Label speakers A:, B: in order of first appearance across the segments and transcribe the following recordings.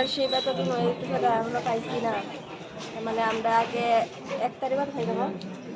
A: Scholarship এতদিন হয়ে গেছে এখনো পাইছি না। মানে আমরা আগে 1 তারিখ খাই দেবো,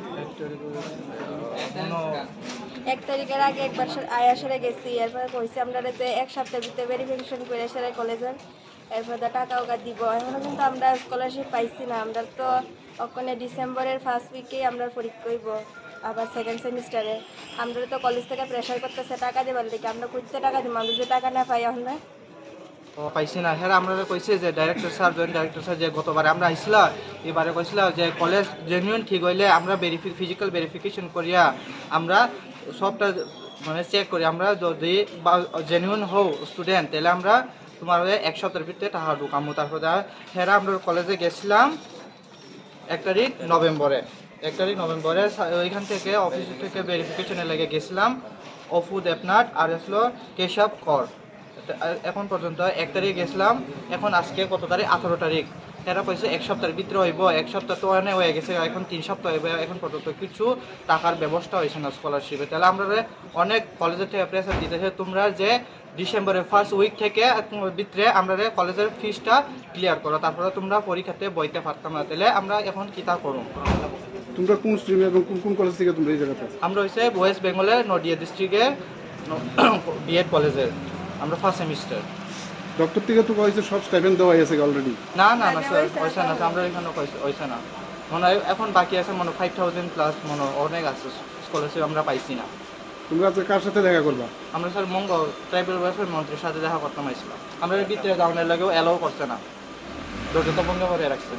A: 1 তারিখের আগে একবার আয়াসরে গেছি। এরপরে কইছি আমরা যে 1 সপ্তাহের ভিতরে ভেরিফিকেশন করে সেরে কলেজের, এরপরে টাকাও দিব। এখনও কিন্তু আমরা স্কলারশিপ পাইছি না। আমরা তো ওখানে ডিসেম্বরের ফার্স্ট উইকেই আমরা পরীক্ষা করব, আবার সেকেন্ড সেমিস্টারে। আমরা তো কলেজ থেকে প্রেশার করতেছে টাকা দেবার দিকে, আমরা করতে টাকা দিব, আমরা যে টাকা না পাই এখন না
B: পাইছি না। হ্যাঁ, আমরা কইছে যে director sir, joint director sir যে গতবারে আমরা আইছিলাম, এবারে কইছিলাম যে কলেজ জেনুইন ঠিক হইলে আমরা ফিজিক্যাল ভেরিফিকেশন করিয়া আমরা সবটা মানে চেক করি। আমরা যদি জেনুইন হও স্টুডেন্ট, তাহলে আমরা তোমার 1 সপ্তাহের ভিতরে টাকা ঢুকামো। তারপরে হ্যাঁ আমরা কলেজে গেছিলাম 1 তারিখ নভেম্বরে। ওইখান থেকে অফিস থেকে ভেরিফিকেশনে লেগে গেছিলাম অফু দেবনাথ আর আসলো কেশব কর। এখন পর্যন্ত 1 তারিখ গেছিলাম, এখন আজকে কত তারিখ? 18 তারিখ। এরা কইছে 1 সপ্তাহের ভিতরে হইব। 1 সপ্তাহ তো অনেক হয়ে গেছে, এখন 3 সপ্তাহ হইব। এখন পর্যন্ত কিছু টাকার ব্যবস্থা হয়েছে না স্কলারশিপে। তাহলে আমরা অনেক কলেজের থেকে প্রেসার দিতেছে তোমরা যে ডিসেম্বরের ফার্স্ট উইক থেকে ভিতরে আমরা কলেজের ফিসটা ক্লিয়ার করো, তারপরে তোমরা পরীক্ষাতে বইতে পারতাম না। তাহলে আমরা এখন কি তা করুন?
C: তোমরা কোন স্ট্রিমে এবং কোন কলেজ থেকে তোমরা এই জায়গাতে?
B: আমরা হচ্ছে ওয়েস্ট বেঙ্গলের নদিয়া ডিস্ট্রিক্টের বিএড কলেজের, আমরা ফার্স্ট সেমিস্টার।
C: ডক্টর থেকে তো কইছে সব স্টাইপেন্ড দেওয়া হয়েছে অলরেডি।
B: না না না স্যার, ওইসা না, আমরা এখানে ওইসা না। মনে হয় এখন বাকি আছে মনে 5000 প্লাস মনে অনেক আছে স্কলারশিপ আমরা পাইছি না।
C: তোমরা আজকে কার সাথে দেখা করবা?
B: আমরা স্যার মঙ্গল ট্রাইবাল ওয়েলফেয়ার মন্ত্রীর সাথে দেখা করতে পারছিলাম। আমরা ভিতরে যাওয়ার লাগেও অ্যালাউ করছে না, দরজা বন্ধ করে রাখছে।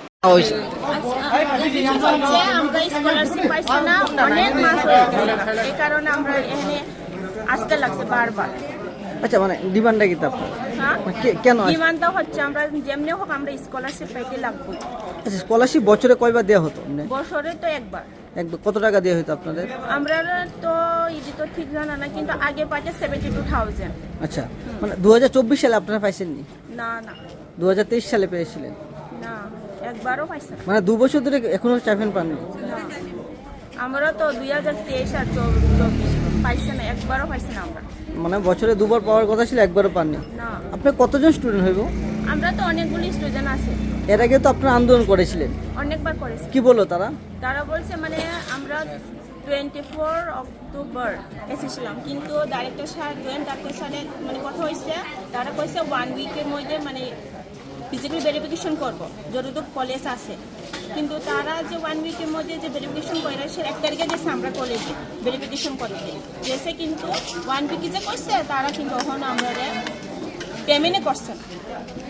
D: আমরা স্কলারশিপ পাইছি না, অনেক মাস হয়ে গেছে, এই কারণে আমরা এখানে আসতে লাগছে বারবার।
E: আচ্ছা, মানে ডিমান্ডটা কি আপনার?
D: হ্যাঁ,
E: কেন
D: ডিমান্ডটা হচ্ছে আমরা যেমনি হোক আমরা স্কলারশিপ পাইতে লাগবো।
E: আচ্ছা, স্কলারশিপ বছরে কয়বার দেওয়া হতো?
D: বছরে তো একবার।
E: কত টাকা দেওয়া হতো আপনাদের?
D: আমরা তো ইডি তো ঠিক জানা না, কিন্তু আগে পাইছে 72,000।
E: আচ্ছা, মানে 2024 সালে আপনারা পাইছেননি?
D: না না,
E: 2023 সালে পেয়েছিলেন?
D: না, একবারও পাইছে না।
E: মানে 2 বছর ধরে এখনো স্টাইপেন্ড পাননি?
D: না, আমরা তো 2023 আর 24 পাইছে না, একবারও পাইছে না আমরা।
E: মানে বছরে 2 বার পাওয়ার কথা ছিল, একবারও পাননি?
D: না।
E: আপনি কতজন স্টুডেন্ট হইব?
D: আমরা তো অনেকগুলি স্টুডেন্ট আছে।
E: এর আগে তো আপনারা আন্দোলন করেছিলেন,
D: অনেকবার করেছি।
E: কি বললো তারা?
D: তারা বলছে মানে আমরা 24 অক্টোবর এসেছিলাম, কিন্তু ডাইরেক্টর স্যার জয়েন্ট ডাক্তার স্যারের মানে কথা হয়েছে, তারা কইছে 1 উইকের মধ্যে মানে ফিজিক্যাল ভেরিফিকেশন করবো যতটুকু কলেজ আছে। কিন্তু তারা যে 1 উইকের মধ্যে যে ভেরিফিকেশন করে সে 1 তারিখে গেছে আমরা কলেজে ভেরিফিকেশন করতে গেছে, কিন্তু 1 উইকে যে করছে তারা কিন্তু তখন আমরা পেমেন্টে করছে না।